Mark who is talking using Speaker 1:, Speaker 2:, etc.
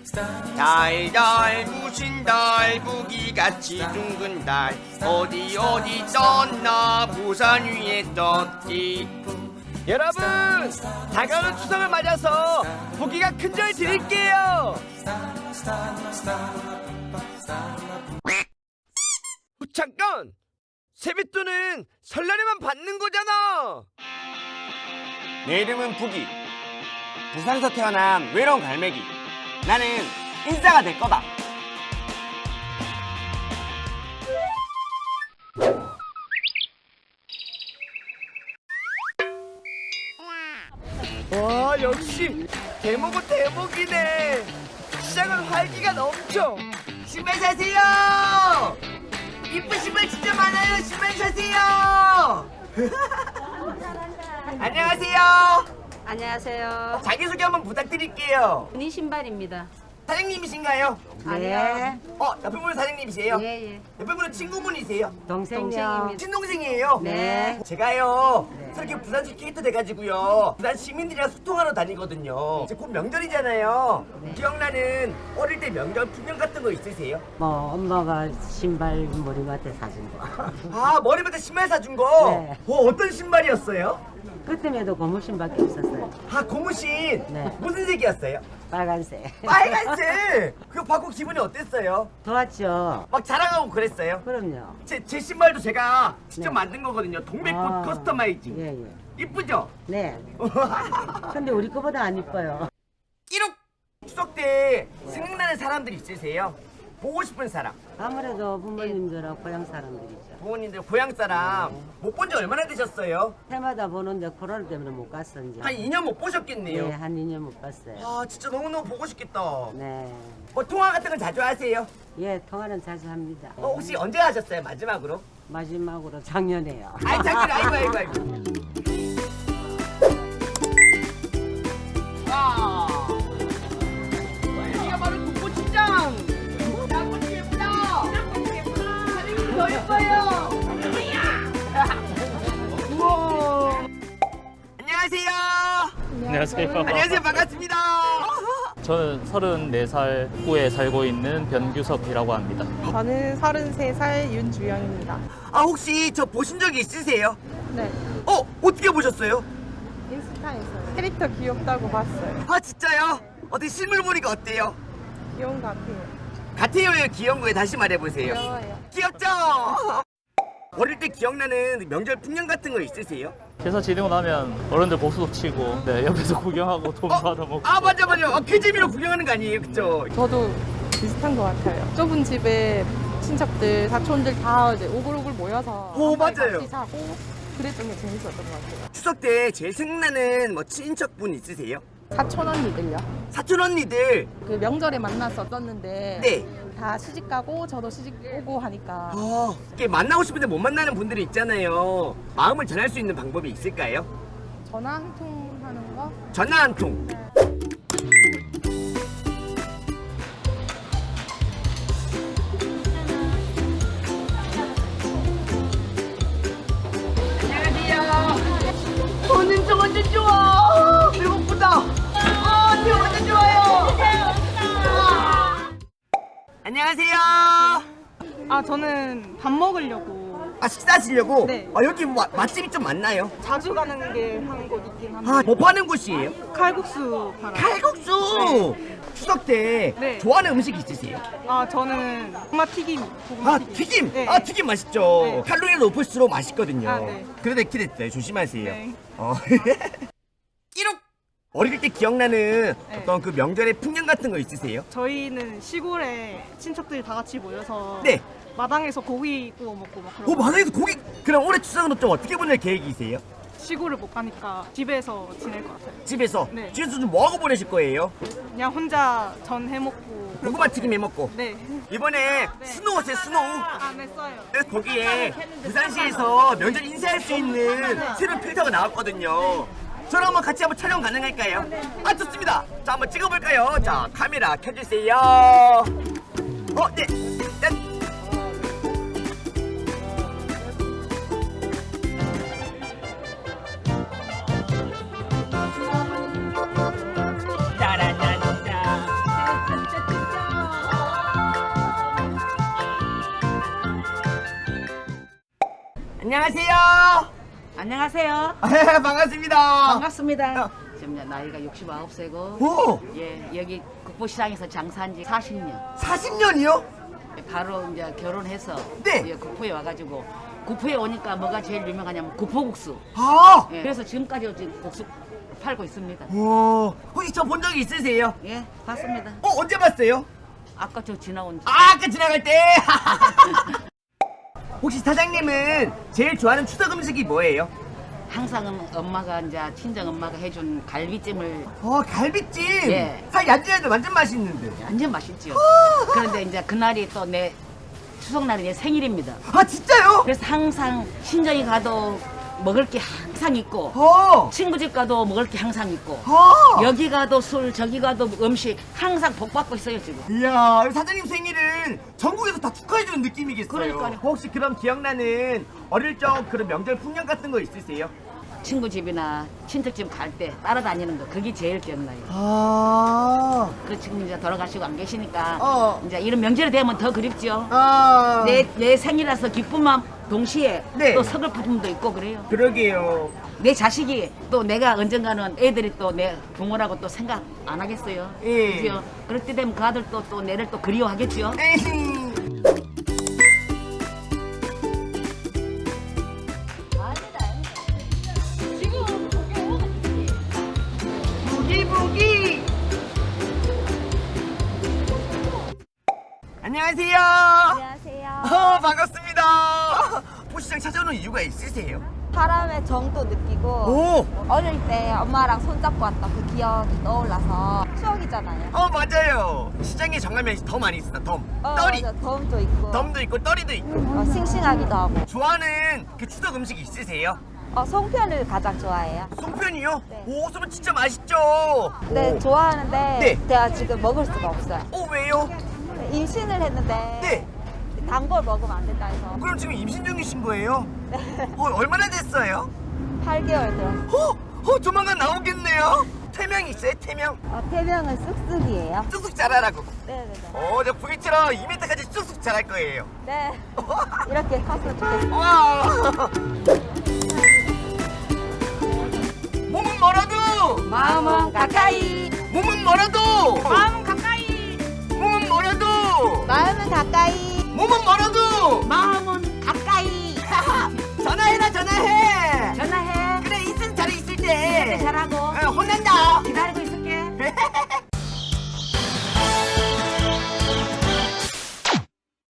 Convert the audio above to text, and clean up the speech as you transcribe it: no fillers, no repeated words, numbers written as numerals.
Speaker 1: 달달 부신 달 부기같이 둥근 달 어디 어디 떴나 부산 위에 떴지.
Speaker 2: 여러분, 다가오는 추석을 맞아서 부기가 큰절 드릴게요. 잠깐! 세뱃돈은 설날에만 받는 거잖아.
Speaker 1: 내 이름은 부기. 부산에서 태어난 외로운 갈매기. 나는 인싸가 될 거다.
Speaker 2: 와, 역시 대목은 대목이네. 시장은 활기가 넘쳐. 신발 사세요. 이쁜 신발 진짜 많아요. 신발 사세요. 안녕하세요.
Speaker 3: 안녕하세요.
Speaker 2: 자기소개 한번 부탁드릴게요.
Speaker 3: 니 신발입니다.
Speaker 2: 사장님이신가요?
Speaker 3: 네.
Speaker 2: 옆에 분은 사장님이세요?
Speaker 3: 예.
Speaker 2: 옆에 분은 친구분이세요?
Speaker 3: 동생입니다.
Speaker 2: 친동생이에요?
Speaker 3: 네.
Speaker 2: 제가요 저렇게 부산시 캐릭터 돼가지고요 부산 시민들이랑 소통하러 다니거든요. 이제 곧 명절이잖아요. 기억나는 어릴 때 명절 풍경 같은 거 있으세요?
Speaker 4: 뭐 엄마가 신발 머리맡에 사준 거.
Speaker 2: 아, 머리부터 신발 사준 거?
Speaker 4: 네.
Speaker 2: 어떤 신발이었어요?
Speaker 4: 그때에도 고무 신밖에 없었어요.
Speaker 2: 아, 고무신.
Speaker 4: 네.
Speaker 2: 무슨 색이었어요?
Speaker 4: 빨간색.
Speaker 2: 빨간색. 그거 받고 기분이 어땠어요?
Speaker 4: 좋았죠.
Speaker 2: 막 자랑하고 그랬어요?
Speaker 4: 그럼요.
Speaker 2: 제 신발도 제가 직접
Speaker 4: 네.
Speaker 2: 만든 거거든요. 동백꽃
Speaker 4: 아,
Speaker 2: 커스터마이징.
Speaker 4: 예.
Speaker 2: 이쁘죠?
Speaker 4: 네. 근데 우리 거보다 안 이뻐요.
Speaker 2: 1억 추석 때 생각나는 사람들 있으세요? 보고 싶은 사람.
Speaker 4: 아무래도 부모님들하고 고향 사람들이죠.
Speaker 2: 부모님들 고향 사람 못 본 지 얼마나 되셨어요?
Speaker 4: 해마다 보는데 코로나 때문에 못 갔어 이제.
Speaker 2: 한 2년 못 보셨겠네요.
Speaker 4: 네, 한 2년 못 봤어요.
Speaker 2: 아, 진짜 너무너무 보고 싶겠다.
Speaker 4: 네.
Speaker 2: 뭐 통화 같은 건 자주 하세요?
Speaker 4: 예, 통화는 자주 합니다.
Speaker 2: 혹시 언제 하셨어요? 마지막으로?
Speaker 4: 마지막으로 작년에요.
Speaker 2: 아이, 작년 아이고. 와, 여기가 바로 국보시장. 양꼬치 예쁘다. 사장님 더 예뻐요. 우와. 안녕하세요.
Speaker 5: 안녕하세요.
Speaker 2: 안녕하세요. 반갑습니다.
Speaker 5: 저는 34살 구에 살고 있는 변규섭이라고 합니다.
Speaker 6: 저는 33살 윤주영입니다.
Speaker 2: 아, 혹시 저 보신 적이 있으세요?
Speaker 6: 네,
Speaker 2: 어떻게 보셨어요?
Speaker 6: 인스타에서 캐릭터 귀엽다고 봤어요.
Speaker 2: 아, 진짜요? 어떻게 실물 보니까 어때요?
Speaker 6: 귀여운 것 같아요.
Speaker 2: 같아요요, 귀여운 거에 다시 말해보세요.
Speaker 6: 귀여워요.
Speaker 2: 귀엽죠? 어릴 때 기억나는 명절 풍경 같은 거 있으세요?
Speaker 5: 회사 지내고 나면 어른들 복수도 치고 옆에서 구경하고 돈 받아먹고.
Speaker 2: 아, 맞아. 그 재미로 구경하는 거 아니에요, 그쵸?
Speaker 6: 저도 비슷한 것 같아요. 좁은 집에 친척들, 사촌들 다 이제 오글오글 모여서
Speaker 2: 오,
Speaker 6: 한 번에
Speaker 2: 맞아요.
Speaker 6: 같이 사고 그랬던 게 재밌었던 것 같아요.
Speaker 2: 추석 때 제일 생각나는 뭐 친척분 있으세요?
Speaker 6: 사촌 언니들요.
Speaker 2: 사촌 언니들.
Speaker 6: 그 명절에 만났었었는데
Speaker 2: 네.
Speaker 6: 다 시집 가고 저도 시집 오고 하니까
Speaker 2: 이렇게 만나고 싶은데 못 만나는 분들이 있잖아요. 마음을 전할 수 있는 방법이 있을까요?
Speaker 6: 전화 한 통 하는 거.
Speaker 2: 전화 한 통. 진짜 완전 좋아. 배고프다. 진짜 완전 좋아요. 안녕하세요.
Speaker 6: 저는 밥 먹으려고
Speaker 2: 식사하시려고?
Speaker 6: 네.
Speaker 2: 여기 뭐 맛집이 좀 많나요?
Speaker 6: 자주 가는 게 한 곳 있긴 한데
Speaker 2: 뭐 파는 곳이에요?
Speaker 6: 칼국수 팔아요.
Speaker 2: 칼국수! 추석 때
Speaker 6: 네.
Speaker 2: 좋아하는 음식 있으세요?
Speaker 6: 저는 고구마 튀김. 고구마
Speaker 2: 튀김!
Speaker 6: 네.
Speaker 2: 튀김 맛있죠.
Speaker 6: 네.
Speaker 2: 칼로리가 높을수록 맛있거든요.
Speaker 6: 네.
Speaker 2: 그래도 키랬어요. 조심하세요.
Speaker 6: 네.
Speaker 2: 1억! 어릴 때 기억나는 어떤 그 명절의 풍경 같은 거 있으세요?
Speaker 6: 저희는 시골에 친척들 다 같이 모여서
Speaker 2: 네.
Speaker 6: 마당에서 고기 구워 먹고 막 그러고
Speaker 2: 마당에서 고기! 그럼 올해 추석은 좀 어떻게 보낼 계획이세요?
Speaker 6: 시골을 못 가니까 집에서 지낼 것 같아요.
Speaker 2: 집에서?
Speaker 6: 네.
Speaker 2: 집에서 좀 뭐하고 보내실 거예요?
Speaker 6: 그냥 혼자 전 해먹고.
Speaker 2: 고구마 튀김 해먹고.
Speaker 6: 네.
Speaker 2: 이번에 스노우 어때요, 스노우?
Speaker 6: 네, 써요.
Speaker 2: 그래서 거기에 부산시에서 명절 인사할 수 있는 새로운 필터가 나왔거든요. 저랑 한번 같이 한번 촬영 가능할까요? 좋습니다. 자, 한번 찍어볼까요? 자, 카메라 켜주세요. 네. 짠. 안녕하세요.
Speaker 7: 안녕하세요.
Speaker 2: 반갑습니다.
Speaker 7: 반갑습니다. 지금 나이가 69세고
Speaker 2: 오,
Speaker 7: 예, 여기 국보시장에서 장사한 지 40년.
Speaker 2: 40년이요?
Speaker 7: 바로 이제 결혼해서
Speaker 2: 네.
Speaker 7: 예, 국포에 와가지고 국포에 오니까 뭐가 제일 유명하냐면 국포국수.
Speaker 2: 아,
Speaker 7: 예, 그래서 지금까지 지금 국수 팔고 있습니다.
Speaker 2: 오, 혹시 저 본 적이 있으세요?
Speaker 7: 예, 봤습니다.
Speaker 2: 언제 봤어요?
Speaker 7: 아까 저 지나온 지.
Speaker 2: 아까 지나갈 때. 혹시 사장님은 제일 좋아하는 추석 음식이 뭐예요?
Speaker 7: 항상 엄마가 이제 친정 엄마가 해준 갈비찜을
Speaker 2: 갈비찜.
Speaker 7: 예.
Speaker 2: 살 얀전해도 완전 맛있는데.
Speaker 7: 완전 맛있죠. 그런데 이제 그날이 또 내 추석날이 내 생일입니다.
Speaker 2: 아, 진짜요?
Speaker 7: 그래서 항상 친정에 가도 먹을 게 항상 있고 친구 집 가도 먹을 게 항상 있고 여기 가도 술 저기 가도 음식 항상 복받고 있어요 지금.
Speaker 2: 이야, 사장님 생일은 전국에서 다 축하해주는 느낌이겠어요.
Speaker 7: 그러니까요.
Speaker 2: 혹시 그럼 기억나는 어릴 적 그런 명절 풍경 같은 거 있으세요?
Speaker 7: 친구 집이나 친척집 갈 때 따라다니는 거 그게 제일 기억나요.
Speaker 2: 아,
Speaker 7: 그 지금 이제 돌아가시고 안 계시니까
Speaker 2: 어.
Speaker 7: 이제 이런 명절이 되면 더 그립죠.
Speaker 2: 아,
Speaker 7: 내 생일이라서 기쁨만 동시에
Speaker 2: 네.
Speaker 7: 또 서글픔도 있고 그래요.
Speaker 2: 그러게요.
Speaker 7: 내 자식이 또 내가 언젠가는 애들이 또 내 부모라고 또 생각 안 하겠어요.
Speaker 2: 예.
Speaker 7: 그죠? 그럴 때 되면 그 아들 또 내를 또 그리워하겠죠.
Speaker 2: 에이. 부기부기. 안녕하세요.
Speaker 8: 안녕하세요.
Speaker 2: 반갑습니다. 포시장 찾아오는 이유가 있으세요?
Speaker 8: 사람의 정도 느끼고
Speaker 2: 오,
Speaker 8: 어릴 때 엄마랑 손잡고 왔던 그 기억이 떠올라서 추억이잖아요.
Speaker 2: 맞아요. 시장에 정가면 더 많이 있어. 떨이.
Speaker 8: 맞아. 덤도 있고
Speaker 2: 덤도 있고 떨이도 있고.
Speaker 8: 싱싱하기도 하고.
Speaker 2: 좋아하는 그 추석 음식 있으세요?
Speaker 8: 송편을 가장 좋아해요.
Speaker 2: 송편이요?
Speaker 8: 네.
Speaker 2: 오, 송편 진짜 맛있죠.
Speaker 8: 네,
Speaker 2: 오.
Speaker 8: 좋아하는데
Speaker 2: 네.
Speaker 8: 제가 지금 먹을 수가 없어요.
Speaker 2: 왜요?
Speaker 8: 임신을 했는데
Speaker 2: 네.
Speaker 8: 단 걸 먹으면 안 된다 해서
Speaker 2: 그럼 지금 임신 중이신 거예요?
Speaker 8: 네.
Speaker 2: 얼마나 됐어요?
Speaker 8: 8개월 들었어요.
Speaker 2: 조만간 나오겠네요. 태명 있어요? 태명?
Speaker 8: 태명은 쑥쑥이에요.
Speaker 2: 쑥쑥 자라라고.
Speaker 8: 네네네.
Speaker 2: 저 V처럼 2m까지 쑥쑥 자랄 거예요.
Speaker 8: 네. 이렇게 컸으면 좋겠어요.
Speaker 2: 와. 몸은 멀어도
Speaker 8: 마음은 가까이.
Speaker 2: 몸은 멀어도
Speaker 7: 마음 가까이,
Speaker 2: 몸은 멀어도
Speaker 8: 마음은 가까이.
Speaker 2: 몸은 멀어도
Speaker 7: 마음은 가까이.
Speaker 2: 전화해라 전화해.
Speaker 7: 전화해.
Speaker 2: 그래 있을 자리 있을 때
Speaker 7: 잘하고
Speaker 2: 혼난다.
Speaker 7: 기다리고 있을게.